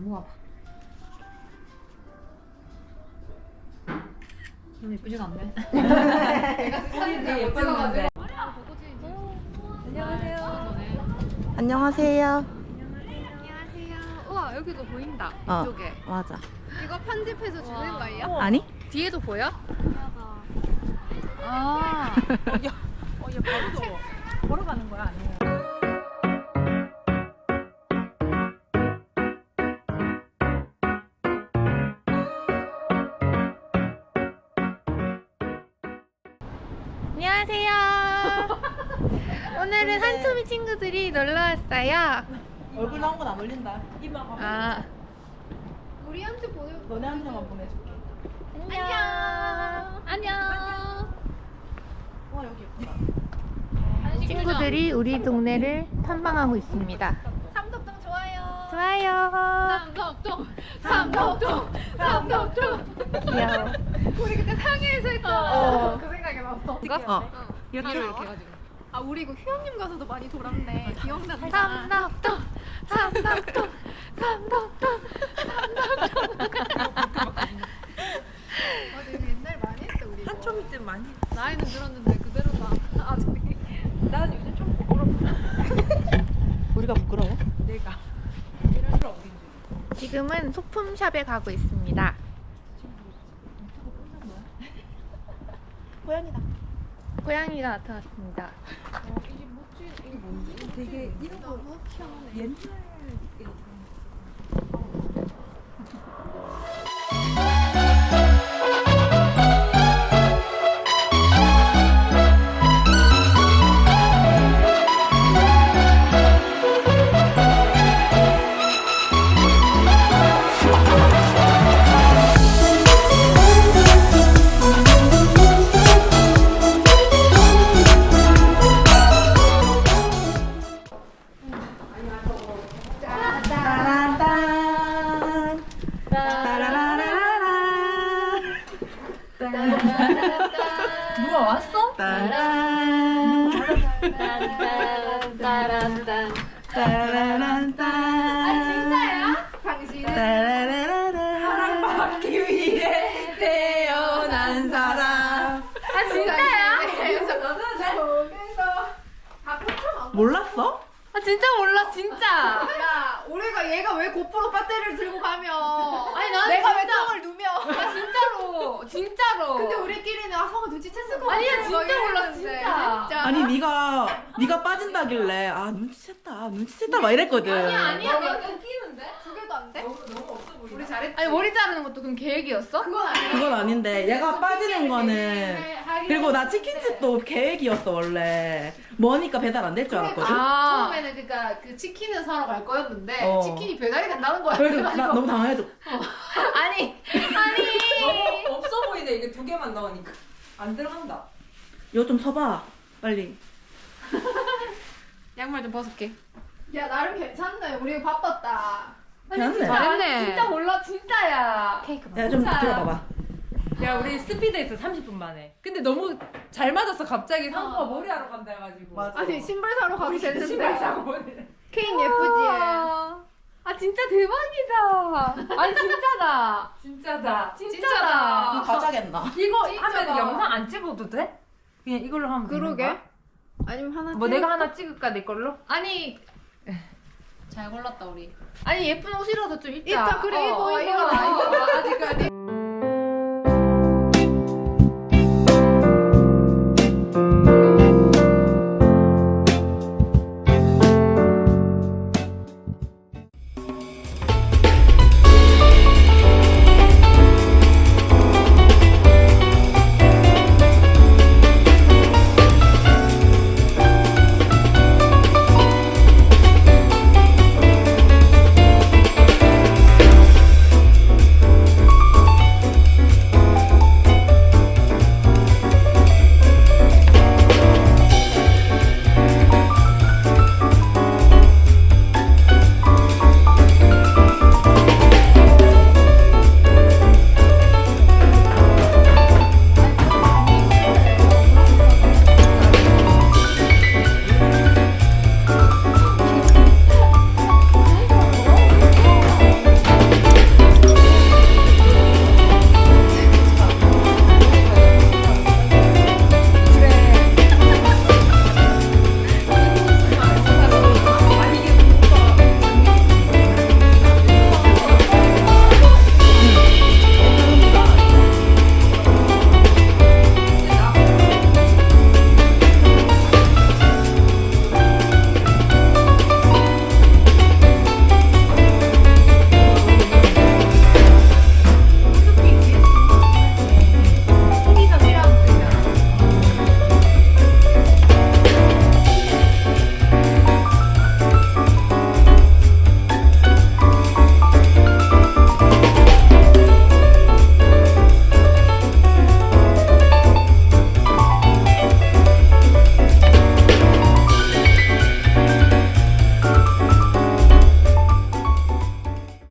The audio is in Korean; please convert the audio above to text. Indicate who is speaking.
Speaker 1: 모아봐. 너무 예쁘지가 않네. 내가 사진을 못 찍어가지고. 안녕하세요.
Speaker 2: 안녕하세요.
Speaker 3: 안녕하세요. 우와 여기도 보인다.
Speaker 2: 어.
Speaker 3: 이쪽에.
Speaker 2: 맞아.
Speaker 3: 이거 편집해서 주는 거예요?
Speaker 2: 아니?
Speaker 3: 뒤에도 보여? 아.
Speaker 4: 얘 바로 걸어가는 거야 아니면?
Speaker 3: 안녕하세요. 오늘은 한초미 친구들이 놀러 왔어요.
Speaker 4: 얼굴 나온 건 안 올린다. 이마 가.
Speaker 3: 아.
Speaker 4: 우리한테 보내. 너네한테만 보내줄게.
Speaker 3: 안녕. 안녕.
Speaker 4: 와 여기 예쁘다.
Speaker 3: 친구들이 우리 동네를 탐방하고 있습니다.
Speaker 4: 삼덕동 좋아요.
Speaker 3: 좋아요. 삼덕동.
Speaker 2: 귀여워.
Speaker 3: 우리 그때 상해에서 했던 그 생각이 났어.
Speaker 2: 이렇게
Speaker 3: 이렇게 해가지고.
Speaker 4: 아 우리 이거 휴양림 가서도 많이 돌았네. 기억난다.
Speaker 3: 삼덕동.
Speaker 4: 맞아 이거 옛날 많이 했어 우리.
Speaker 1: 한초미 때 많이.
Speaker 4: 나이는 들었는데 그대로다. 아직.
Speaker 1: 나는 요즘 좀 부끄럽다.
Speaker 2: 우리가 부끄러워?
Speaker 1: 내가.
Speaker 3: 지금은 소품샵에 가고 있습니다.
Speaker 2: 고양이다.
Speaker 3: 고양이가 나타났습니다.
Speaker 1: 이게 뭐지? 이게 뭔지? 되게 이런 거 옛날
Speaker 2: 누가 왔어? 따란. 따라란딴.
Speaker 3: 진짜야? 당신은?
Speaker 2: 사랑받기 위해 태어난 사람.
Speaker 3: 진짜야?
Speaker 2: 몰랐어?
Speaker 3: 진짜 몰라 진짜.
Speaker 4: 야 우리가 얘가 왜 고프로 배터리를 들고 가면?
Speaker 3: 아니 난
Speaker 4: 내가 왜
Speaker 3: 진짜.
Speaker 4: 똥을 누며?
Speaker 3: 진짜로.
Speaker 4: 근데 우리끼리는 성을 눈치챘을 것 같아.
Speaker 3: 아니야, 진짜
Speaker 4: 막
Speaker 3: 몰라,
Speaker 4: 이랬는데.
Speaker 3: 진짜.
Speaker 2: 아니 네가 빠진다길래 아 눈치챘다 막 이랬거든.
Speaker 3: 아니야 내가 웃기는데?
Speaker 4: 두 개도 안 돼?
Speaker 1: 우리 잘했지.
Speaker 3: 아니 머리 자르는 것도 그럼 계획이었어?
Speaker 4: 그건 아니야.
Speaker 2: 그건 아닌데 얘가 빠지는 거는 그리고 나 치킨집도 계획이었어 원래. 머니까 배달 안 될 줄 알았거든.
Speaker 3: 아.
Speaker 4: 처음에는 그러니까 그 치킨을 사러 갈 거였는데
Speaker 2: 어.
Speaker 4: 치킨이 배달이 된다는 거야.
Speaker 2: 그래서 나 너무 당황해서
Speaker 3: 아니.
Speaker 1: 너무 없어 보이네. 이게 두 개만 나오니까 안 들어간다.
Speaker 2: 이거 좀 서봐 빨리.
Speaker 3: 양말 좀 벗을게.
Speaker 4: 야 나름 괜찮네. 우리 바빴다.
Speaker 2: 괜찮네.
Speaker 3: 잘했네. 진짜 몰라 진짜야. 케이크
Speaker 2: 야 좀 들어봐봐.
Speaker 1: 야 우리 스피드에서 30분 만에. 근데 너무 잘 맞았어. 갑자기 상부가 머리하러 간다 해가지고.
Speaker 2: 맞아.
Speaker 4: 아니 신발 사러 가도
Speaker 1: 신발
Speaker 4: 됐는데.
Speaker 1: 사고 머리를.
Speaker 4: 케인 예쁘지?
Speaker 3: 아 진짜 대박이다. 아니 진짜다.
Speaker 1: 진짜다.
Speaker 3: 진짜다.
Speaker 2: 가자겠나?
Speaker 1: 이거
Speaker 4: 진짜다.
Speaker 1: 하면 영상 안 찍어도 돼? 그냥 이걸로 하면 되는
Speaker 4: 그러게.
Speaker 1: 거야?
Speaker 4: 아니면 하나
Speaker 1: 뭐 내가 하나 찍을까 내 걸로?
Speaker 3: 아니
Speaker 4: 잘 골랐다 우리.
Speaker 3: 아니 예쁜 옷이라도 좀 입자.
Speaker 4: 입자 그래 이거
Speaker 3: 이거
Speaker 4: 이거.